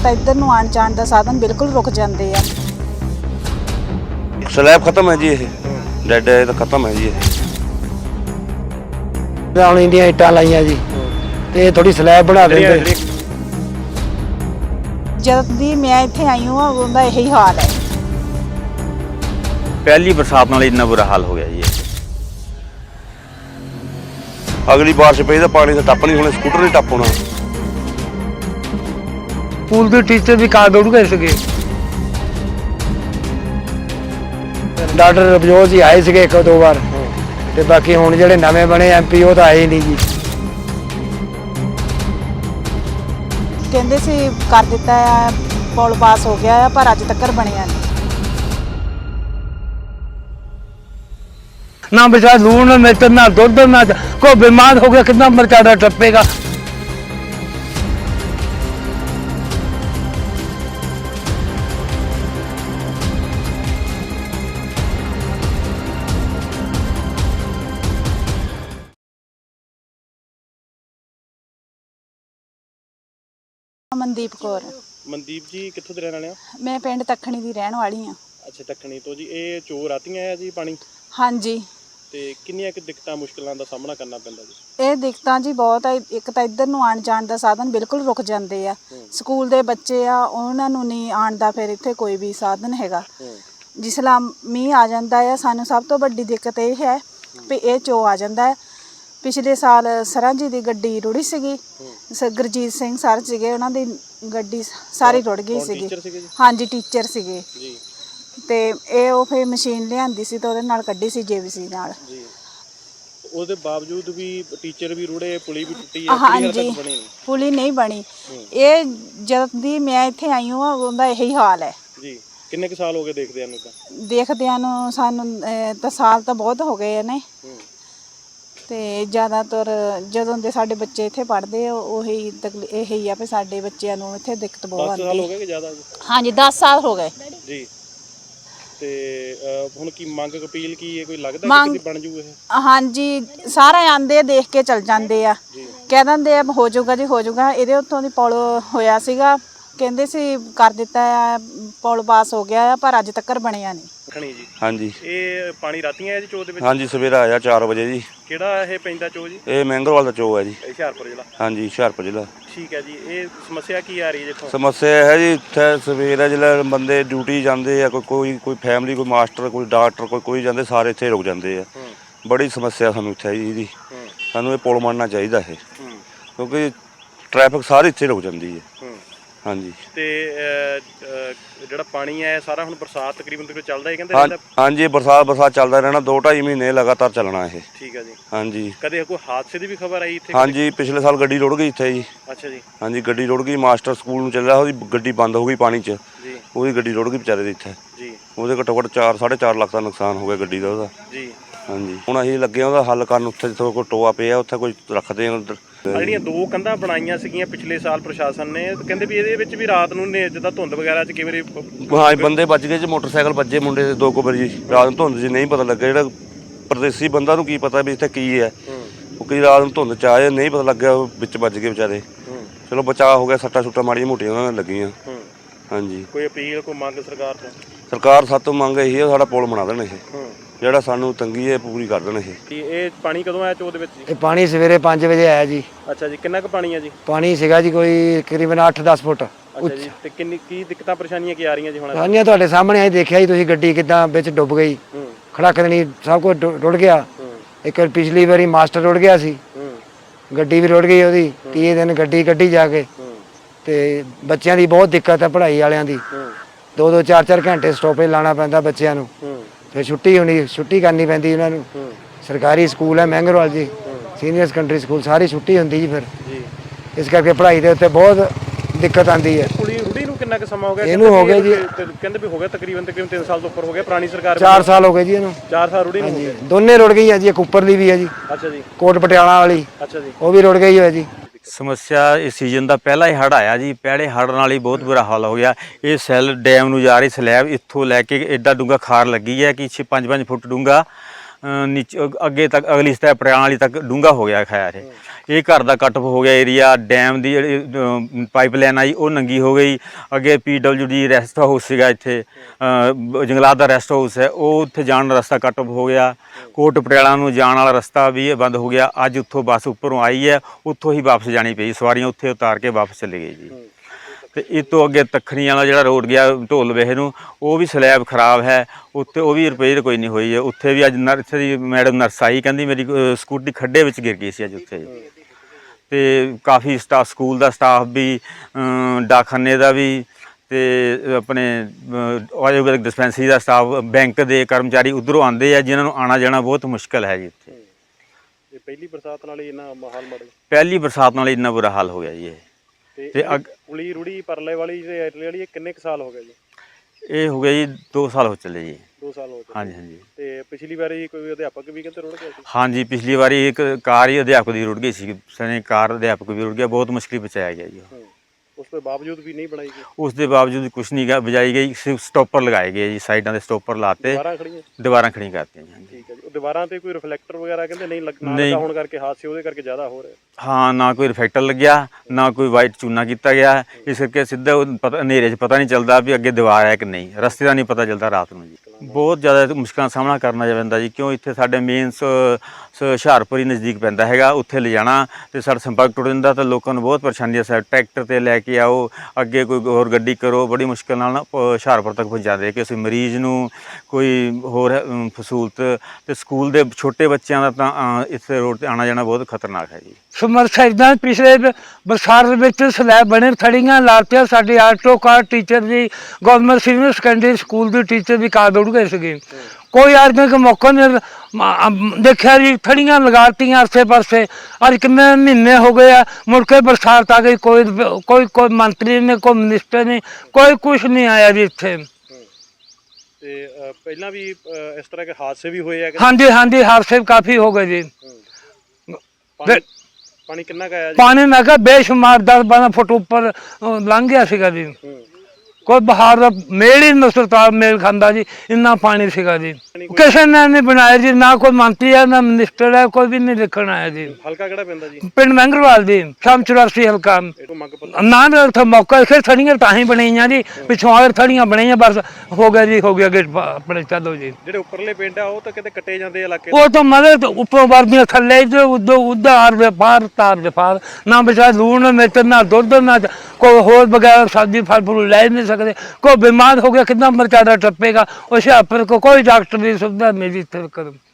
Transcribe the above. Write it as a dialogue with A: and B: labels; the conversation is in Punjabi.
A: ਤਾਂ ਇੱਧਰ ਨੂੰ ਆਉਣ ਜਾਣ ਦਾ ਸਾਧਨ ਬਿਲਕੁਲ ਰੁਕ ਜਾਂਦੇ ਆ।
B: ਸਲੈਬ ਖਤਮ ਹੈ ਜੀ, ਇਹ ਡੈਡ ਹੈ ਤਾਂ ਖਤਮ ਹੈ ਜੀ। ਇਹ
C: ਹੁਣ ਇੰਡੀਆਂ ਇੱਟਾਂ ਲਾਈਆਂ ਜੀ ਤੇ ਥੋੜੀ ਸਲੈਬ ਬਣਾ ਦਿੰਦੇ।
A: ਜਦ ਦੀ ਮੈਂ ਇੱਥੇ ਆਈ ਹਾਂ ਉਹਦਾ ਇਹੀ ਹਾਲ ਹੈ।
D: ਪਹਿਲੀ ਬਰਸਾਤ ਨਾਲ ਇੰਨਾ ਬੁਰਾ ਹਾਲ ਹੋ ਗਿਆ ਜੀ।
B: ਅਗਲੀ ਬਾਰਿਸ਼ ਪਈ ਤਾਂ ਪਾਣੀ ਦਾ ਟੱਪ ਨਹੀਂ ਹੋਣਾ, ਸਕੂਟਰ ਨਹੀਂ ਟੱਪ ਹੋਣਾ।
C: ਸਕੂਲ ਦੇ ਟੀਚਰ ਵੀ ਕਾਂ ਦੌੜ ਗਏ ਸੀਗੇ। ਡਾਕਟਰ ਰਵਜੋਤ ਜੀ ਆਏ ਸੀਗੇ ਇੱਕ ਦੋ ਵਾਰ ਤੇ ਬਾਕੀ ਹੁਣ ਜਿਹੜੇ ਨਵੇਂ ਬਣੇ ਐਮਪੀ ਉਹ ਤਾਂ ਆਏ ਨਹੀਂ ਜੀ।
A: ਕਹਿੰਦੇ ਸੀ ਕਰ ਦਿੱਤਾ ਆ, ਪੁਲ ਪਾਸ ਹੋ ਗਿਆ ਆ, ਪਰ ਅੱਜ ਤੱਕ ਬਣਿਆ ਨਹੀਂ।
C: ਨਾ बेचारा लून ना मिर्च ना दुध ना कोई बीमार हो गया कितना बेचारा टप्पेगा।
A: ਮਨਦੀਪ ਕੌਰ।
E: ਮਨਦੀਪ ਜੀ ਕਿੱਥੋਂ ਦੇ ਰਹਿਣ ਵਾਲੇ ਆ?
A: ਮੈਂ ਪਿੰਡ ਤਖਣੀ ਦੀ ਰਹਿਣ ਵਾਲੀ ਹਾਂ।
E: ਅੱਛਾ, ਤਖਣੀ ਤੋਂ ਜੀ। ਇਹ ਚੋਰ ਰਾਤੀਆਂ ਆਇਆ ਜੀ ਪਾਣੀ
A: ਹਾਂਜੀ।
E: ਤੇ ਕਿੰਨੀਆਂ ਕਿ ਦਿੱਕਤਾਂ ਮੁਸ਼ਕਲਾਂ ਦਾ ਸਾਹਮਣਾ ਕਰਨਾ ਪੈਂਦਾ ਜੀ?
A: ਇਹ ਦਿੱਕਤਾਂ ਜੀ ਬਹੁਤ ਆ। ਇੱਕ ਤਾਂ ਇੱਧਰ ਨੂੰ ਆਉਣ ਜਾਣ ਦਾ ਸਾਧਨ ਬਿਲਕੁਲ ਰੁਕ ਜਾਂਦੇ ਆ। ਸਕੂਲ ਦੇ ਬੱਚੇ ਆ, ਉਹਨਾਂ ਨੂੰ ਨਹੀਂ ਆਉਣ ਦਾ ਫਿਰ ਇੱਥੇ ਕੋਈ ਵੀ ਸਾਧਨ ਹੈਗਾ। ਜਿਸ ਲਾ ਮੀਂਹ ਆ ਜਾਂਦਾ ਆ, ਸਾਨੂੰ ਸਭ ਤੋਂ ਵੱਡੀ ਦਿੱਕਤ ਇਹ ਹੈ ਵੀ ਇਹ ਚੋ ਆ ਜਾਂਦਾ ਹੈ। ਪਿਛਲੇ ਸਾਲ ਸਰਾਂ ਜੀ ਦੀ ਗੱਡੀ ਰੁੜੀ ਸੀਗੀ, ਗੁਰਜੀਤ ਸਿੰਘ ਸਰ ਸੀਗੇ, ਉਹਨਾਂ ਦੀ ਗੱਡੀ ਸਾਰੀ ਰੁੜ ਗਈ ਸੀਗੀ। ਹਾਂਜੀ, ਟੀਚਰ ਸੀਗੇ
E: ਜੀ।
A: ਤੇ ਇਹ ਉਹ ਫਿਰ ਮਸ਼ੀਨ ਲਿਆਂਦੀ ਸੀ ਤੇ ਉਹਦੇ ਨਾਲ ਕੱਢੀ ਸੀ JVC ਨਾਲ
E: ਜੀ। ਉਹਦੇ ਬਾਵਜੂਦ ਵੀ ਟੀਚਰ ਵੀ ਰੁੜੇ, ਪੁਲੀ ਵੀ ਟੁੱਟੀ ਹੈ,
A: ਹਾਂਜੀ, ਪੁਲੀ ਨਹੀਂ ਬਣੀ। ਇਹ ਜਦ ਦੀ ਮੈਂ ਇੱਥੇ ਆਈ ਹਾਂ ਉਹਦਾ ਇਹੀ ਹਾਲ ਹੈ
E: ਜੀ। ਕਿੰਨੇ ਕੁ ਸਾਲ ਹੋ ਗਏ ਦੇਖਦਿਆਂ ਨੂੰ?
A: ਦੇਖਦਿਆਂ ਨੂੰ ਸਾਨੂੰ ਤਾਂ ਸਾਲ ਤਾਂ ਬਹੁਤ ਹੋ ਗਏ ਨੇ। ਤੇ ਜ਼ਿਆਦਾਤਰ ਜਦੋਂ ਦੇ ਸਾਡੇ ਬੱਚੇ ਇੱਥੇ ਪੜ੍ਹਦੇ ਆ ਉਹੀ ਇਹੀ ਆ ਵੀ ਸਾਡੇ ਬੱਚਿਆਂ ਨੂੰ ਇੱਥੇ ਦਿੱਕਤ ਬਹੁਤ ਆਉਂਦੀ।
E: 10 ਸਾਲ ਹੋ ਗਏ ਕਿ ਜ਼ਿਆਦਾ?
A: ਹਾਂਜੀ, 10 ਸਾਲ ਹੋ ਗਏ
E: ਜੀ। ਤੇ ਹੁਣ ਕੀ ਮੰਗ ਅਪੀਲ ਕੀ ਹੈ? ਕੋਈ ਲੱਗਦਾ ਕਿ ਬਣ ਜੂ ਇਹ?
A: ਹਾਂਜੀ, ਸਾਰੇ ਆਂਦੇ ਦੇਖ ਕੇ ਚਲ ਜਾਂਦੇ ਆ, ਕਹਿ ਦਿੰਦੇ ਆ ਹੋ ਜਾਊਗਾ ਜੀ, ਹੋ ਜਾਊਗਾ। ਇਹਦੇ ਉੱਤੋਂ ਦੀ ਪੁਲ ਹੋਇਆ ਸੀਗਾ, ਕਹਿੰਦੇ ਸੀ ਕਰ ਦਿੱਤਾ ਆ, ਪੁਲ ਪਾਸ ਹੋ ਗਿਆ ਆ, ਪਰ ਅੱਜ ਤੱਕ ਬਣਿਆ ਨਹੀਂ।
E: ਜੀ।
B: ਹਾਂਜੀ।
E: ਇਹ ਪਾਣੀ ਰਾਤੀਆਂ ਆਇਆ ਜੀ ਚੋਅ ਦੇ ਵਿੱਚ?
B: ਹਾਂਜੀ, ਸਵੇਰਾ ਆਇਆ 4 ਵਜੇ ਜੀ।
E: ਕਿਹੜਾ ਇਹ ਪੈਂਦਾ ਚੋਅ ਜੀ?
B: ਇਹ ਮਹਿੰਗਰਵਾਲ ਦਾ ਚੋਅ ਹੈ ਜੀ,
E: ਹੁਸ਼ਿਆਰਪੁਰ ਜ਼ਿਲ੍ਹਾ।
B: ਹਾਂਜੀ, ਹੁਸ਼ਿਆਰਪੁਰ ਜ਼ਿਲ੍ਹਾ।
E: ਠੀਕ ਹੈ ਜੀ। ਇਹ ਸਮੱਸਿਆ ਕੀ ਆ ਰਹੀ ਹੈ ਜਿੱਥੋਂ?
B: ਸਮੱਸਿਆ ਹੈ ਜੀ, ਇੱਥੇ ਸਵੇਰਾ ਜਿਹੜਾ ਬੰਦੇ ਡਿਊਟੀ ਜਾਂਦੇ ਆ, ਕੋਈ ਫੈਮਿਲੀ, ਕੋਈ ਮਾਸਟਰ, ਕੋਈ ਡਾਕਟਰ, ਕੋਈ ਜਾਂਦੇ, ਸਾਰੇ ਇੱਥੇ ਰੁਕ ਜਾਂਦੇ ਆ। ਬੜੀ ਸਮੱਸਿਆ ਸਾਨੂੰ ਇੱਥੇ ਜੀ ਇਹਦੀ। ਸਾਨੂੰ ਇਹ ਪੁਲ ਬਣਨਾ ਚਾਹੀਦਾ ਇਹ, ਕਿਉਂਕਿ ਟ੍ਰੈਫਿਕ ਸਾਰੀ ਇੱਥੇ ਰੁਕ ਜਾਂਦੀ ਹੈ। ਹਾਂਜੀ।
E: ਤੇ ਜਿਹੜਾ ਪਾਣੀ ਹੈ ਸਾਰਾ ਹੁਣ ਬਰਸਾਤ ਤਕਰੀਬਨ ਚੱਲਦਾ ਹੀ ਕਹਿੰਦੇ?
B: ਹਾਂਜੀ, ਬਰਸਾਤ ਚੱਲਦਾ ਰਹਿਣਾ, 2-2.5 ਮਹੀਨੇ ਲਗਾਤਾਰ ਚੱਲਣਾ ਇਹ।
E: ਠੀਕ ਹੈ ਜੀ।
B: ਹਾਂਜੀ।
E: ਕਦੇ ਕੋਈ ਹਾਦਸੇ ਦੀ ਵੀ ਖਬਰ ਆਈ ਇੱਥੇ?
B: ਹਾਂਜੀ, ਪਿਛਲੇ ਸਾਲ ਗੱਡੀ ਰੁੜ ਗਈ ਇੱਥੇ ਜੀ।
E: ਅੱਛਾ ਜੀ।
B: ਹਾਂਜੀ, ਗੱਡੀ ਰੁੜ ਗਈ, ਮਾਸਟਰ ਸਕੂਲ ਨੂੰ ਚੱਲਿਆ, ਉਹਦੀ ਗੱਡੀ ਬੰਦ ਹੋ ਗਈ ਪਾਣੀ 'ਚ
E: ਜੀ।
B: ਉਹਦੀ ਗੱਡੀ ਰੁੜ ਗਈ ਵਿਚਾਰੇ ਦੀ ਇੱਥੇ
E: ਜੀ।
B: ਉਹਦੇ ਘੱਟੋ ਘੱਟ 4-4.5 ਲੱਖ ਦਾ ਨੁਕਸਾਨ ਹੋ ਗਿਆ ਗੱਡੀ ਦਾ ਉਹਦਾ
E: ਜੀ।
B: ਹਾਂਜੀ। ਹੁਣ ਅਸੀਂ ਲੱਗੇ ਉਹਦਾ ਹੱਲ ਕਰਨ, ਉੱਥੇ ਜਿੱਥੋਂ ਕੋਈ ਟੋਆ ਪਿਆ ਉੱਥੇ ਕੋਈ ਰੱਖਦੇ ਆ ਉੱਧਰ।
E: ਜਿਹੜੀਆਂ 2 ਕੰਧਾਂ ਬਣਾਈਆਂ ਸੀਗੀਆਂ ਪਿਛਲੇ ਸਾਲ ਪ੍ਰਸ਼ਾਸਨ ਨੇ, ਕਹਿੰਦੇ ਵੀ ਇਹਦੇ ਵਿੱਚ ਵੀ ਰਾਤ ਨੂੰ ਨੇ ਜਿੱਦਾਂ ਧੁੰਦ ਵਗੈਰਾ 'ਚ ਕਈ ਵਾਰੀ
B: ਹਾਂ ਬੰਦੇ ਵੱਜ ਗਏ ਜੀ, ਮੋਟਰਸਾਈਕਲ ਵੱਜੇ ਮੁੰਡੇ ਦੇ 2 ਕੁ ਜੀ। ਰਾਤ ਨੂੰ ਧੁੰਦ 'ਚ ਨਹੀਂ ਪਤਾ ਲੱਗਿਆ, ਜਿਹੜਾ ਪਰਦੇਸੀ ਬੰਦਾ ਨੂੰ ਕੀ ਪਤਾ ਵੀ ਇੱਥੇ ਕੀ ਹੈ। ਉਹ ਕਈ ਰਾਤ ਨੂੰ ਧੁੰਦ 'ਚ ਆਏ, ਨਹੀਂ ਪਤਾ ਲੱਗਿਆ, ਵਿੱਚ ਵੱਜ ਗਏ ਵਿਚਾਰੇ। ਚਲੋ ਬਚਾਅ ਹੋ ਗਿਆ, ਸੱਟਾਂ ਸੁੱਟਾਂ ਮਾੜੀਆਂ ਮੋਟੀਆਂ ਉਹਨਾਂ ਨੂੰ ਲੱਗੀਆਂ। ਹਾਂਜੀ।
E: ਕੋਈ ਅਪੀਲ, ਕੋਈ ਮੰਗ ਸਰਕਾਰ ਤੋਂ?
B: ਸਰਕਾਰ ਸਾਤੋਂ ਮੰਗ ਇਹੀ ਹੈ, ਸਾਡਾ ਪੁਲ ਬਣਾ ਦੇਣ ਇਹ, ਜਿਹੜਾ ਸਾਨੂੰ ਤੰਗੀ ਹੈ ਪੂਰੀ ਕਰ ਦੇਣ ਇਹ।
E: ਇਹ ਪਾਣੀ ਕਦੋਂ ਆਇਆ ਚੋਅ ਦੇ ਵਿੱਚ ਜੀ?
C: ਇਹ ਪਾਣੀ ਸਵੇਰੇ 5 ਵਜੇ ਆਇਆ ਜੀ।
E: ਅੱਛਾ ਜੀ। ਕਿੰਨਾ ਕੁ ਪਾਣੀ ਹੈ ਜੀ?
C: ਪਾਣੀ ਸੀਗਾ ਜੀ ਕੋਈ ਤਕਰੀਬਨ 8-10 ਫੁੱਟ।
E: ਅੱਛਾ ਜੀ। ਤੇ ਕੀ ਦਿੱਕਤਾਂ ਪਰੇਸ਼ਾਨੀਆਂ ਕੀ ਆ ਰਹੀਆਂ ਜੀ ਹੁਣ?
C: ਸਾਰੀਆਂ ਤੁਹਾਡੇ ਸਾਹਮਣੇ ਆਈ, ਦੇਖਿਆ ਜੀ ਤੁਸੀਂ ਗੱਡੀ ਕਿੱਦਾਂ ਵਿੱਚ ਡੁੱਬ ਗਈ, ਖੜਕਦਣੀ ਸਭ ਕੁਝ ਰੁੜ ਗਿਆ। ਇੱਕ ਪਿਛਲੀ ਵਾਰੀ ਮਾਸਟਰ ਰੁੜ ਗਿਆ ਸੀ, ਗੱਡੀ ਵੀ ਰੁੜ ਗਈ ਉਹਦੀ। 30 ਦਿਨ ਗੱਡੀ ਕੱਢੀ ਜਾ ਕੇ। ਤੇ ਬੱਚਿਆਂ ਦੀ ਬਹੁਤ ਦਿੱਕਤ ਹੈ, ਪੜ੍ਹਾਈ ਵਾਲਿਆਂ ਦੀ। 2-2 4-4 ਘੰਟੇ ਸਟਾਪੇਜ ਲਾਉਣਾ ਪੈਂਦਾ ਬੱਚਿਆਂ ਨੂੰ। ਫਿਰ ਛੁੱਟੀ ਕਰਨੀ ਪੈਂਦੀ ਉਹਨਾਂ ਨੂੰ। ਸਰਕਾਰੀ ਸਕੂਲ ਹੈ ਮਹਿੰਗਰਵਾਲ ਜੀ, ਸੀਨੀਅਰ ਸੈਕੰਡਰੀ ਸਕੂਲ, ਸਾਰੀ ਛੁੱਟੀ ਹੁੰਦੀ ਜੀ। ਫਿਰ ਇਸ ਕਰਕੇ ਪੜ੍ਹਾਈ ਦੇ ਉੱਤੇ ਬਹੁਤ ਦਿੱਕਤ ਆਉਂਦੀ ਹੈ।
E: ਕੁੜੀ ਰੁੜੀ ਨੂੰ ਕਿੰਨਾ ਕੁ ਸਮਾਂ ਹੋ ਗਿਆ?
C: ਇਹਨੂੰ ਹੋ ਗਿਆ ਜੀ,
E: ਕਹਿੰਦੇ ਵੀ ਹੋ ਗਿਆ ਤਕਰੀਬਨ 3 ਸਾਲ ਤੋਂ ਉੱਪਰ ਹੋ ਗਿਆ। ਪੁਰਾਣੀ ਸਰਕਾਰ
C: 4 ਸਾਲ ਹੋ ਗਏ ਜੀ ਇਹਨੂੰ।
E: 4 ਸਾਲ ਰੁੜੀ ਨੂੰ ਹੋ ਗਏ।
C: ਦੋਨੇ ਰੁੜ ਗਈ ਹੈ ਜੀ, ਇੱਕ ਉੱਪਰਲੀ ਵੀ ਹੈ ਜੀ।
E: ਅੱਛਾ ਜੀ।
C: ਕੋਟ ਪਟਿਆਲਾ ਵਾਲੀ।
E: ਅੱਛਾ ਜੀ।
C: ਉਹ ਵੀ ਰੁੜ ਗਈ ਹੋਇਆ ਜੀ।
D: ਸਮੱਸਿਆ ਇਸ ਸੀਜ਼ਨ ਦਾ ਪਹਿਲਾ ਹੀ ਹੜ੍ਹ ਆਇਆ ਜੀ। ਪਹਿਲੇ ਹੜ੍ਹ ਨਾਲ ਹੀ ਬਹੁਤ ਬੁਰਾ ਹਾਲ ਹੋ ਗਿਆ। ਇਹ ਸੈੱਲ ਡੈਮ ਨੂੰ ਜਾ ਰਹੀ ਸਲੈਬ, ਇੱਥੋਂ ਲੈ ਕੇ ਐਡਾ ਡੂੰਘਾ ਖਾਰ ਲੱਗੀ ਹੈ ਕਿ 5-5 ਫੁੱਟ ਡੂੰਘਾ ਨੀਚੇ ਅੱਗੇ ਤੱਕ ਅਗਲੀ ਸਤਹ ਪੜਿਆਣ ਵਾਲੀ ਤੱਕ ਡੂੰਘਾ ਹੋ ਗਿਆ ਖੈਰ ਇਹ ਘਰ ਦਾ ਕੱਟ ਹੋ ਗਿਆ ਏਰੀਆ। ਡੈਮ ਦੀ ਜਿਹੜੀ ਪਾਈਪਲਾਈਨ ਆਈ ਉਹ ਨੰਗੀ ਹੋ ਗਈ। ਅੱਗੇ PWD ਰੈਸਟ ਹਾਊਸ ਸੀਗਾ ਇੱਥੇ, ਜੰਗਲਾਤ ਦਾ ਰੈਸਟ ਹਾਊਸ ਹੈ, ਉਹ ਉੱਥੇ ਜਾਣ ਦਾ ਰਸਤਾ ਕੱਟ ਹੋ ਗਿਆ। ਕੋਟ ਪਟਿਆਲਾ ਨੂੰ ਜਾਣ ਵਾਲਾ ਰਸਤਾ ਵੀ ਇਹ ਬੰਦ ਹੋ ਗਿਆ। ਅੱਜ ਉੱਥੋਂ ਬੱਸ ਉੱਪਰੋਂ ਆਈ ਹੈ, ਉੱਥੋਂ ਹੀ ਵਾਪਸ ਜਾਣੀ ਪਈ, ਸਵਾਰੀਆਂ ਉੱਥੇ ਉਤਾਰ ਕੇ ਵਾਪਸ ਚਲੇ ਗਏ ਜੀ। ਤੇ ਇਹ ਤੋਂ ਅੱਗੇ ਤਖਣੀ ਵਾਲਾ ਜਿਹੜਾ ਰੋਡ ਗਿਆ ਢੋਲ ਵੇਹੇ ਨੂੰ, ਉਹ ਵੀ ਸਲੈਬ ਖਰਾਬ ਹੈ, ਉੱਥੇ ਉਹ ਵੀ ਰਿਪੇਅਰ ਕੋਈ ਨਹੀਂ ਹੋਈ ਹੈ। ਉੱਥੇ ਵੀ ਅੱਜ ਇੱਥੇ ਦੀ ਮੈਡਮ ਨਰਸ ਆਈ, ਕਹਿੰਦੀ ਮੇਰੀ ਸਕੂਟੀ ਖੱਡੇ ਵਿੱਚ ਗਿਰ ਗਈ ਸੀ ਅੱਜ ਉੱਥੇ। ਤੇ ਕਾਫੀ ਸਟਾਫ, ਸਕੂਲ ਦਾ ਸਟਾਫ ਵੀ, ਡਾਕਖਾਨੇ ਦਾ ਵੀ, ਤੇ ਆਪਣੇ ਆਯੁਰਵੈਦਿਕ ਡਿਸਪੈਂਸਰੀ ਦਾ ਸਟਾਫ, ਬੈਂਕ ਦੇ ਕਰਮਚਾਰੀ ਉੱਧਰੋਂ ਆਉਂਦੇ ਆ, ਜਿਨ੍ਹਾਂ ਨੂੰ ਆਉਣਾ ਜਾਣਾ ਬਹੁਤ ਮੁਸ਼ਕਲ ਹੈ ਜੀ ਇੱਥੇ।
E: ਤੇ ਪਹਿਲੀ ਬਰਸਾਤ ਨਾਲ ਹੀ ਇੰਨਾ ਮਾਹੌਲ ਮਾੜਾ ਜੀ।
D: ਪਹਿਲੀ ਬਰਸਾਤ ਨਾਲ ਇੰਨਾ ਬੁਰਾ ਹਾਲ ਹੋ ਗਿਆ ਜੀ ਇਹ।
E: ਤੇ ਕੁਲੀ ਰੁੜੀ ਪਰਲੇ ਵਾਲੀ ਤੇ ਐਟਲੇ ਵਾਲੀ ਇਹ ਕਿੰਨੇ ਕੁ ਸਾਲ ਹੋ ਗਏ ਜੀ?
D: ਇਹ ਹੋ ਗਿਆ ਜੀ 2 ਸਾਲ ਹੋ ਚੱਲੇ ਜੀ।
E: 2 ਸਾਲ ਹੋ ਗਏ।
D: ਹਾਂਜੀ ਹਾਂਜੀ।
E: ਤੇ ਪਿਛਲੀ ਵਾਰੀ ਕੋਈ ਅਧਿਆਪਕ ਵੀ ਕਹਿੰਦੇ ਰੁੜ ਗਿਆ ਸੀ?
D: ਹਾਂਜੀ, ਪਿਛਲੀ ਵਾਰੀ ਇੱਕ ਕਾਰ ਹੀ ਅਧਿਆਪਕ ਦੀ ਰੁੜ ਗਈ ਸੀ, ਸਨੇ ਕਾਰ ਅਧਿਆਪਕ ਵੀ ਰੁੜ ਗਿਆ, ਬਹੁਤ ਮੁਸ਼ਕਿਲ ਬਚਾਇਆ ਗਿਆ ਜੀ।
E: ਉਸ ਦੇ ਬਾਵਜੂਦ ਵੀ ਨਹੀਂ ਬਣਾਈ ਗਈ?
D: ਉਸ ਦੇ ਬਾਵਜੂਦ ਕੁਛ ਨਹੀਂ ਗਾ ਬਜਾਈ ਗਈ, ਸਿਰਫ ਸਟੋਪਰ ਲਗਾਏ ਗਏ ਜੀ, ਸਾਈਡਾਂ ਦੇ ਸਟੋਪਰ ਲਾਤੇ, ਦੀਵਾਰਾਂ ਖੜੀਆਂ ਕਰਤੀਆਂ ਜੀ।
E: ਠੀਕ ਹੈ ਜੀ। ਉਹ ਦੀਵਾਰਾਂ ਤੇ ਕੋਈ ਰਿਫਲੈਕਟਰ ਵਗੈਰਾ ਕਹਿੰਦੇ ਨਹੀਂ ਲੱਗਣਾ ਹੋਣ ਕਰਕੇ ਹਾਦਸੇ ਉਹਦੇ ਕਰਕੇ ਜ਼ਿਆਦਾ ਹੋ ਰਹੇ?
D: ਹਾਂ, ਨਾ ਕੋਈ ਰਿਫਲੈਕਟਰ ਲੱਗਿਆ, ਨਾ ਕੋਈ ਵਾਈਟ ਚੂਨਾ ਕੀਤਾ ਗਿਆ, ਇਸ ਕਰਕੇ ਸਿੱਧਾ ਹਨੇਰੇ 'ਚ ਪਤਾ ਨਹੀਂ ਚੱਲਦਾ ਵੀ ਅੱਗੇ ਦੀਵਾਰ ਹੈ ਕਿ ਨਹੀਂ, ਰਸਤੇ ਦਾ ਨਹੀਂ ਪਤਾ ਚੱਲਦਾ ਰਾਤ ਨੂੰ ਜੀ। ਬਹੁਤ ਜ਼ਿਆਦਾ ਮੁਸ਼ਕਲਾਂ ਦਾ ਸਾਹਮਣਾ ਕਰਨਾ ਪੈਂਦਾ ਜੀ, ਕਿਉਂ ਇੱਥੇ ਸਾਡੇ ਮੇਨ ਹੁਸ਼ਿਆਰਪੁਰ ਹੀ ਨਜ਼ਦੀਕ ਪੈਂਦਾ ਹੈਗਾ, ਉੱਥੇ ਲਿਜਾਣਾ ਤੇ ਸਾਡਾ ਸੰਪਰਕ ਟੁੱਟ ਜਾਂਦਾ ਤਾਂ ਲੋਕਾਂ ਨੂੰ ਬਹੁਤ ਪਰੇਸ਼ਾਨੀ ਹੈ। ਟਰੈਕਟਰ ਤੇ ਲੈ ਕੇ ਆਓ, ਅੱਗੇ ਕੋਈ ਹੋਰ ਗੱਡੀ ਕਰੋ, ਬੜੀ ਮੁਸ਼ਕਲ ਨਾਲ ਹੁਸ਼ਿਆਰਪੁਰ ਤੱਕ ਪਹੁੰਚਾਉਂਦੇ ਕਿ ਅਸੀਂ ਮਰੀਜ਼ ਨੂੰ ਕੋਈ ਹੋਰ ਸਹੂਲਤ। ਤੇ ਸਕੂਲ ਦੇ ਛੋਟੇ ਬੱਚਿਆਂ ਦਾ ਤਾਂ ਇੱਥੇ ਰੋਡ ਤੇ ਆਉਣਾ ਜਾਣਾ ਬਹੁਤ ਖਤਰਨਾਕ ਹੈ ਜੀ।
C: ਸਮਰਥਾ ਇੱਦਾਂ ਪਿਛਲੇ ਬਰਸਾਤ ਵਿੱਚ ਸਲੈਬ ਬਣੇ, ਥੜੀਆਂ ਲਾਤੀਆਂ। ਸਾਡੇ ਆਟੋ ਕਾਰ ਟੀਚਰ ਦੀ, ਗਵਰਨਮੈਂਟ ਸੀਨੀਅਰ ਸੈਕੰਡਰੀ ਸਕੂਲ ਦੀ ਟੀਚਰ ਦੀ ਕਾਰ ਦੌੜ ਗਏ ਸੀਗੇ। ਕੋਈ ਆਦਮੀ ਕੋ ਮੌਕਾ ਨਹੀਂ ਦੇਖਿਆ ਜੀ, ਥੜੀਆਂ ਲਗਾਤੀਆਂ ਆਸੇ ਪਾਸੇ। ਅੱਜ ਕਿੰਨੇ ਮਹੀਨੇ ਹੋ ਗਏ ਆ, ਮੁੜ ਕੇ ਬਰਸਾਤ ਆ ਗਈ, ਕੋਈ ਮੰਤਰੀ ਨੇ, ਕੋਈ ਮਿਨਿਸਟਰ ਨੇ, ਕੋਈ ਕੁਛ ਨਹੀਂ ਆਇਆ ਜੀ ਇੱਥੇ।
E: ਤੇ ਪਹਿਲਾਂ ਵੀ ਇਸ ਤਰ੍ਹਾਂ ਦੇ ਹਾਦਸੇ ਵੀ ਹੋਏ ਆ?
C: ਹਾਂਜੀ ਹਾਂਜੀ, ਹਾਦਸੇ ਕਾਫੀ ਹੋ ਗਏ ਜੀ।
E: ਪਾਣੀ ਕਿੰਨਾ ਕੁ ਆਇਆ ਜੀ?
C: ਪਾਣੀ ਮੈਂ ਕਿਹਾ ਬੇਸ਼ੁਮਾਰ 10-12 ਫੁੱਟ ਉੱਪਰ ਲੰਘ ਗਿਆ ਸੀਗਾ ਜੀ। ਕੋਈ ਬਹਾਰ ਦਾ ਮੇਲ ਹੀ ਨਸਰਤਾਰ ਮੇਲ ਖਾਂਦਾ ਜੀ, ਇੰਨਾ ਪਾਣੀ ਸੀਗਾ ਜੀ। ਕਿਸੇ ਨੇ ਨਹੀਂ ਬਣਾਇਆ ਜੀ, ਨਾ ਕੋਈ ਮੰਤਰੀ ਹੈ, ਨਾ ਮਿਨਿਸਟਰ ਹੈ, ਕੋਈ ਵੀ ਨਹੀਂ ਦੇਖਣ ਆਇਆ ਜੀ।
E: ਹਲਕਾ ਕਿਹੜਾ ਪੈਂਦਾ ਜੀ?
C: ਪਿੰਡ ਮਹਿੰਗਰਵਾਲ ਜੀ, ਸ਼ਾਮ 84 ਹਲਕਾ। ਨਾ ਉੱਥੇ ਮੌਕਾ ਇੱਥੇ ਥੜੀਆਂ ਤਾਂ ਹੀ ਬਣਾਈਆਂ ਜੀ, ਪਿੱਛੋਂ ਆਏ ਥੜੀਆਂ ਬਣਾਈਆਂ, ਬਸ ਹੋ ਗਿਆ ਜੀ, ਹੋ ਗਿਆ ਅੱਗੇ ਆਪਣੇ ਚੱਲੋ ਜੀ।
E: ਜਿਹੜੇ ਉੱਪਰਲੇ ਪਿੰਡ ਆ ਉਹ ਤਾਂ ਕਿਤੇ ਕੱਟੇ ਜਾਂਦੇ ਇਲਾਕੇ?
C: ਉਹ ਤਾਂ ਮਤਲਬ ਉੱਪਰੋਂ ਵਰਦੀਆਂ ਥੱਲੇ ਉਧਾਰ ਵਪਾਰ ਤਾਰ ਵਪਾਰ, ਨਾ ਬਚਾ ਲੂਣ ਮਿਰਚ, ਨਾ ਦੁੱਧ, ਨਾ ਕੋਈ ਹੋਰ ਵਗੈਰਾ ਸਬਜ਼ੀ ਫਲ ਫੁੱਲ ਲੈ ਨਹੀਂ ਸਕਦੇ। ਕੋਈ ਬਿਮਾਰ ਹੋ ਗਿਆ ਕਿੰਨਾ ਮਰਚਾਦਾ ਟੱਪੇਗਾ। ਹੁਸ਼ਿਆਰਪੁਰ ਕੋ ਕੋਈ ਡਾਕਟਰ ਦੀ ਸੁਵਿਧਾ ਮਿਲੀ ਇੱਥੇ।